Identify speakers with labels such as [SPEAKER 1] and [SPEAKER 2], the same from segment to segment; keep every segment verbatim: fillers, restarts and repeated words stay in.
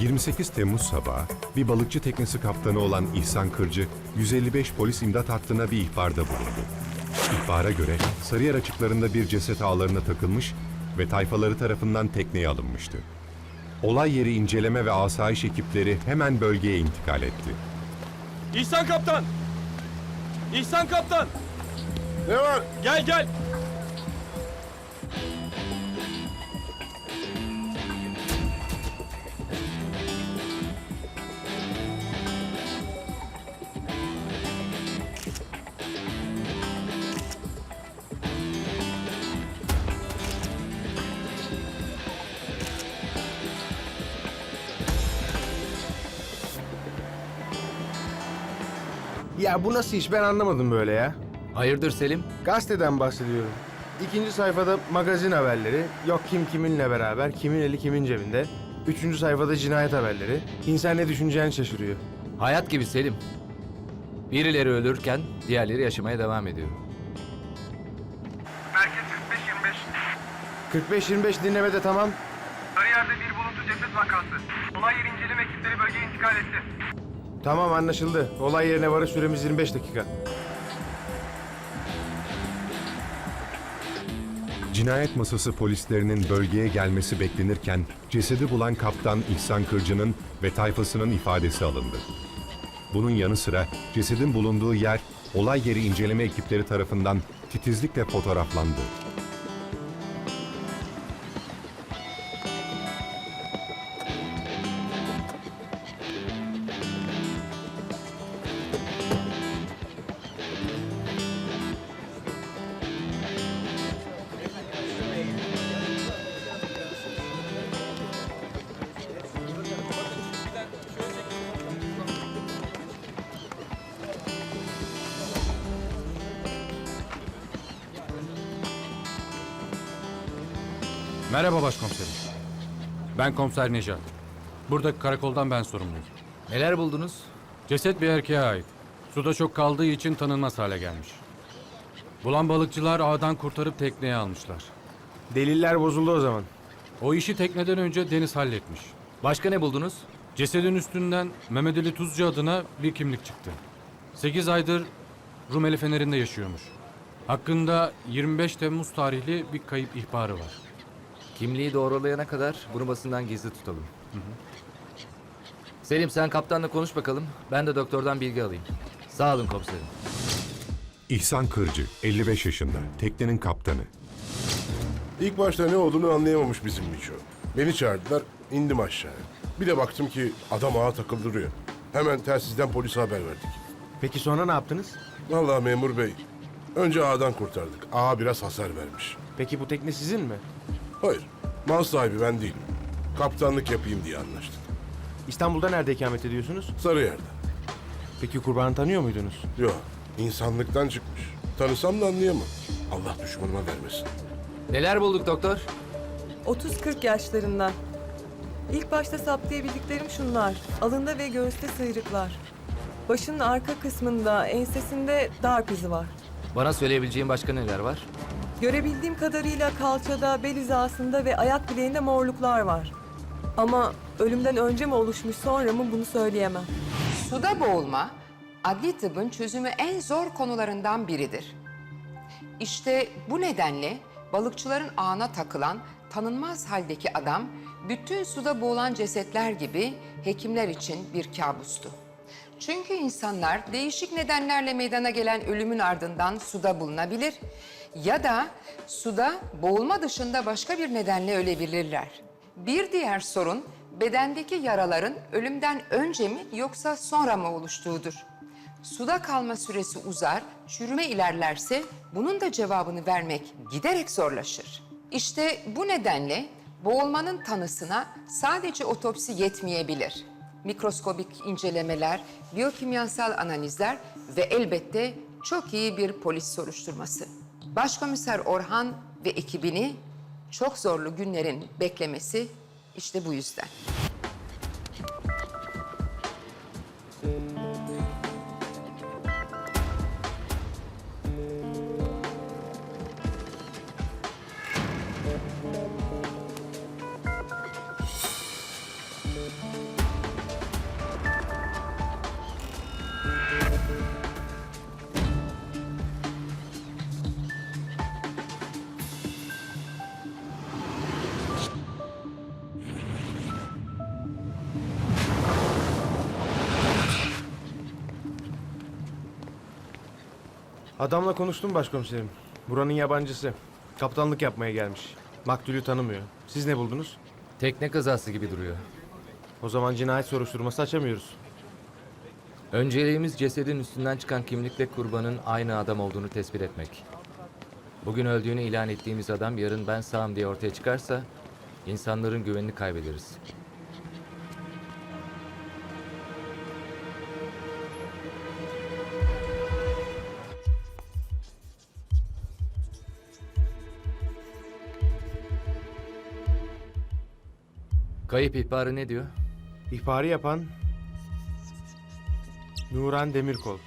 [SPEAKER 1] yirmi sekiz Temmuz sabahı bir balıkçı teknesi kaptanı olan İhsan Kırcı, yüz elli beş polis imdat hattına bir ihbarda bulundu. İhbara göre Sarıyer açıklarında bir ceset ağlarına takılmış ve tayfaları tarafından tekneye alınmıştı. Olay yeri inceleme ve asayiş ekipleri hemen bölgeye intikal etti.
[SPEAKER 2] İhsan Kaptan! İhsan Kaptan!
[SPEAKER 3] Ne var?
[SPEAKER 2] Gel gel!
[SPEAKER 3] Ya bu nasıl iş ben anlamadım böyle ya.
[SPEAKER 4] Hayırdır Selim?
[SPEAKER 3] Gazeteden bahsediyorum. İkinci sayfada magazin haberleri, yok kim kiminle beraber, kimin eli kimin cebinde. Üçüncü sayfada cinayet haberleri. İnsan ne düşüneceğini şaşırıyor.
[SPEAKER 4] Hayat gibi Selim. Birileri ölürken diğerleri yaşamaya devam ediyor.
[SPEAKER 5] Merkez kırk beş yirmi beş.
[SPEAKER 3] kırk beş yirmi beş dinlemede tamam.
[SPEAKER 5] Sarıyer'de bir buluntu ceset vakası. Olay yeri inceleme ekipleri bölgeye intikal etti.
[SPEAKER 3] Tamam anlaşıldı. Olay yerine varış süremiz yirmi beş dakika.
[SPEAKER 1] Cinayet masası polislerinin bölgeye gelmesi beklenirken cesedi bulan kaptan İhsan Kırcı'nın ve tayfasının ifadesi alındı. Bunun yanı sıra cesedin bulunduğu yer olay yeri inceleme ekipleri tarafından titizlikle fotoğraflandı.
[SPEAKER 6] Merhaba başkomiserim. Ben komiser Necat. Buradaki karakoldan ben sorumluyum.
[SPEAKER 4] Neler buldunuz?
[SPEAKER 6] Ceset bir erkeğe ait. Suda çok kaldığı için tanınmaz hale gelmiş. Bulan balıkçılar ağdan kurtarıp tekneye almışlar.
[SPEAKER 3] Deliller bozuldu o zaman.
[SPEAKER 6] O işi tekneden önce Deniz halletmiş.
[SPEAKER 4] Başka ne buldunuz?
[SPEAKER 6] Cesedin üstünden Mehmet Ali Tuzcu adına bir kimlik çıktı. Sekiz aydır Rumeli Feneri'nde yaşıyormuş. Hakkında yirmi beş Temmuz tarihli bir kayıp ihbarı var.
[SPEAKER 4] Kimliği doğrulayana kadar bunu basından gizli tutalım. Hı hı. Selim sen kaptanla konuş bakalım. Ben de doktordan bilgi alayım. Sağ olun komiserim.
[SPEAKER 1] İhsan Kırcı, elli beş yaşında, teknenin kaptanı.
[SPEAKER 7] İlk başta ne olduğunu anlayamamış bizim Miço. Beni çağırdılar, indim aşağıya. Bir de baktım ki adam ağa takıldırıyor. Hemen telsizden polise haber verdik.
[SPEAKER 3] Peki sonra ne yaptınız?
[SPEAKER 7] Vallahi memur bey, önce ağdan kurtardık. Ağa biraz hasar vermiş.
[SPEAKER 3] Peki bu tekne sizin mi?
[SPEAKER 7] Hayır, mal sahibi ben değilim. Kaptanlık yapayım diye anlaştık.
[SPEAKER 3] İstanbul'da nerede ikamet ediyorsunuz?
[SPEAKER 7] Sarıyer'de.
[SPEAKER 3] Peki kurbanı tanıyor muydunuz?
[SPEAKER 7] Yok, insanlıktan çıkmış. Tanısam da anlayamam. Allah düşmanıma vermesin.
[SPEAKER 4] Neler bulduk doktor?
[SPEAKER 8] otuz kırk yaşlarında. İlk başta saptayabildiklerim şunlar. Alında ve göğüste sıyrıklar. Başının arka kısmında, ensesinde darp izi var.
[SPEAKER 4] Bana söyleyebileceğin başka neler var?
[SPEAKER 8] Görebildiğim kadarıyla kalçada, bel hizasında ve ayak bileğinde morluklar var. Ama ölümden önce mi oluşmuş sonra mı bunu söyleyemem.
[SPEAKER 9] Suda boğulma, adli tıbbın çözümü en zor konularından biridir. İşte bu nedenle balıkçıların ağına takılan tanınmaz haldeki adam, bütün suda boğulan cesetler gibi hekimler için bir kabustu. Çünkü insanlar değişik nedenlerle meydana gelen ölümün ardından suda bulunabilir ya da suda boğulma dışında başka bir nedenle ölebilirler. Bir diğer sorun, bedendeki yaraların ölümden önce mi yoksa sonra mı oluştuğudur. Suda kalma süresi uzar, çürüme ilerlerse bunun da cevabını vermek giderek zorlaşır. İşte bu nedenle boğulmanın tanısına sadece otopsi yetmeyebilir. Mikroskobik incelemeler, biyokimyasal analizler ve elbette çok iyi bir polis soruşturması. Başkomiser Orhan ve ekibini çok zorlu günlerin beklemesi işte bu yüzden.
[SPEAKER 3] Adamla konuştum başkomiserim. Buranın yabancısı. Kaptanlık yapmaya gelmiş. Maktulü tanımıyor. Siz ne buldunuz?
[SPEAKER 4] Tekne kazası gibi duruyor.
[SPEAKER 3] O zaman cinayet soruşturması açamıyoruz.
[SPEAKER 4] Önceliğimiz cesedin üstünden çıkan kimlikle kurbanın aynı adam olduğunu tespit etmek. Bugün öldüğünü ilan ettiğimiz adam yarın ben sağım diye ortaya çıkarsa insanların güvenini kaybederiz. Kayıp ihbarı ne diyor?
[SPEAKER 3] İhbarı yapan Nuran Demirkol.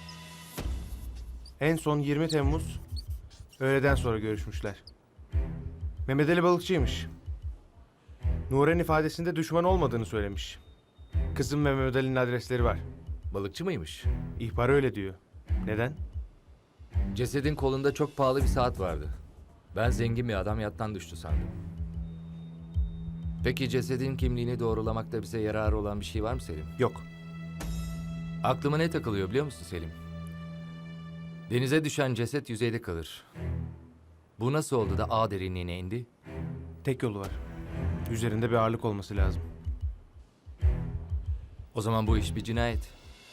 [SPEAKER 3] En son yirmi Temmuz öğleden sonra görüşmüşler. Mehmet Ali balıkçıymış. Nuran ifadesinde düşman olmadığını söylemiş. Kızım ve Mehmet Ali'nin adresleri var.
[SPEAKER 4] Balıkçı mıymış?
[SPEAKER 3] İhbar öyle diyor. Neden?
[SPEAKER 4] Cesedin kolunda çok pahalı bir saat vardı. Ben zengin bir adam yattan düştü sandım. Peki cesedin kimliğini doğrulamakta bize yararı olan bir şey var mı Selim?
[SPEAKER 3] Yok.
[SPEAKER 4] Aklıma ne takılıyor biliyor musun Selim? Denize düşen ceset yüzeyde kalır. Bu nasıl oldu da ağ derinliğine indi?
[SPEAKER 3] Tek yolu var. Üzerinde bir ağırlık olması lazım.
[SPEAKER 4] O zaman bu iş bir cinayet.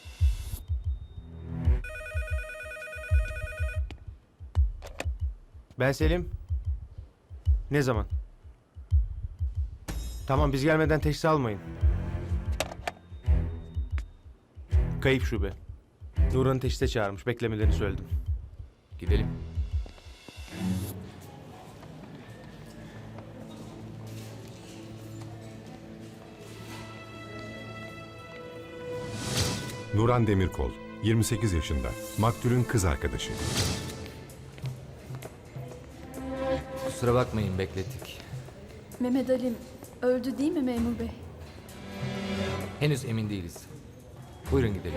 [SPEAKER 3] Ben Selim. Ne zaman? Tamam, biz gelmeden teşhis almayın. Kayıp şube. Nuran'ı teşhise çağırmış. Beklemelerini söyledim.
[SPEAKER 4] Gidelim.
[SPEAKER 1] Nuran Demirkol, yirmi sekiz yaşında, maktulün kız arkadaşı.
[SPEAKER 4] Kusura bakmayın beklettik.
[SPEAKER 10] Mehmet Ali'm öldü değil mi memur bey?
[SPEAKER 4] Henüz emin değiliz. Buyurun gidelim.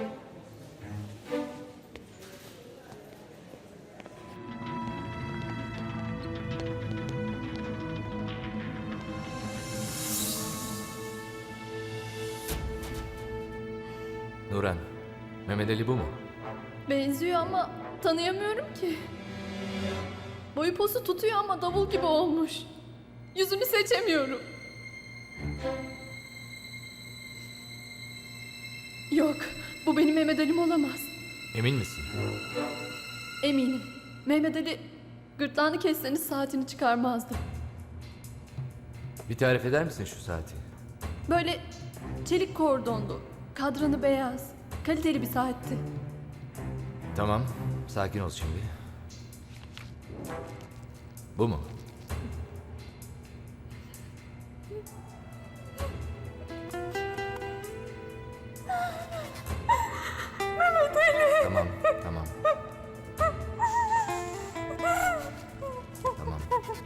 [SPEAKER 4] Nuran, Mehmet Ali bu mu?
[SPEAKER 10] Benziyor ama tanıyamıyorum ki. Boyu posu tutuyor ama davul gibi olmuş. Yüzünü seçemiyorum. Yok, bu benim Mehmet Ali'm olamaz.
[SPEAKER 4] Emin misin?
[SPEAKER 10] Eminim. Mehmet Ali gırtlağını kesseniz saatini çıkarmazdı.
[SPEAKER 4] Bir tarif eder misin şu saati?
[SPEAKER 10] Böyle çelik kordonlu, kadranı beyaz, kaliteli bir saatti.
[SPEAKER 4] Tamam, sakin ol şimdi. Bu mu? Tamam, tamam. Tamam.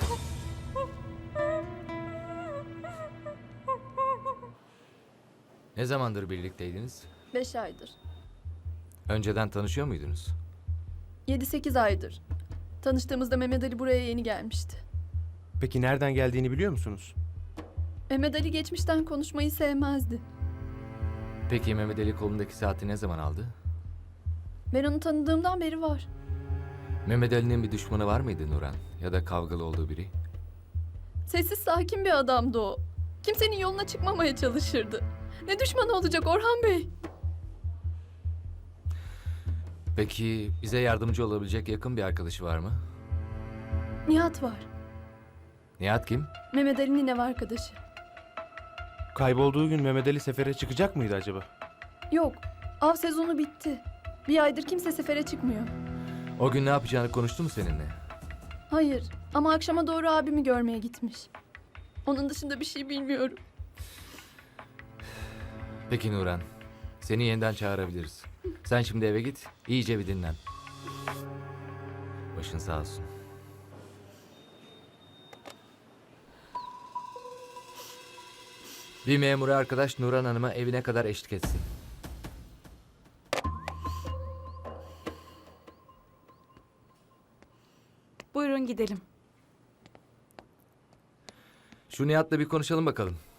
[SPEAKER 4] Ne zamandır birlikteydiniz?
[SPEAKER 10] Beş aydır.
[SPEAKER 4] Önceden tanışıyor muydunuz?
[SPEAKER 10] Yedi sekiz aydır. Tanıştığımızda Mehmet Ali buraya yeni gelmişti.
[SPEAKER 3] Peki nereden geldiğini biliyor musunuz?
[SPEAKER 10] Mehmet Ali geçmişten konuşmayı sevmezdi.
[SPEAKER 4] Peki Mehmet Ali kolundaki saati ne zaman aldı?
[SPEAKER 10] Ben onu tanıdığımdan beri var.
[SPEAKER 4] Mehmet Ali'nin bir düşmanı var mıydı Nuran? Ya da kavgalı olduğu biri?
[SPEAKER 10] Sessiz sakin bir adamdı o. Kimsenin yoluna çıkmamaya çalışırdı. Ne düşmanı olacak Orhan Bey?
[SPEAKER 4] Peki bize yardımcı olabilecek yakın bir arkadaşı var mı?
[SPEAKER 10] Nihat var.
[SPEAKER 4] Nihat kim?
[SPEAKER 10] Mehmet Ali'nin ev arkadaşı.
[SPEAKER 3] Kaybolduğu gün Mehmet Ali sefere çıkacak mıydı acaba?
[SPEAKER 10] Yok, av sezonu bitti. Bir aydır kimse sefere çıkmıyor.
[SPEAKER 4] O gün ne yapacağını konuştu mu seninle?
[SPEAKER 10] Hayır ama akşama doğru abimi görmeye gitmiş. Onun dışında bir şey bilmiyorum.
[SPEAKER 4] Peki Nuran, seni yeniden çağırabiliriz. Sen şimdi eve git, iyice bir dinlen. Başın sağ olsun. Bir memur arkadaş Nuran Hanım'a evine kadar eşlik etsin.
[SPEAKER 11] Buyurun gidelim.
[SPEAKER 4] Şu Nihat'la bir konuşalım bakalım.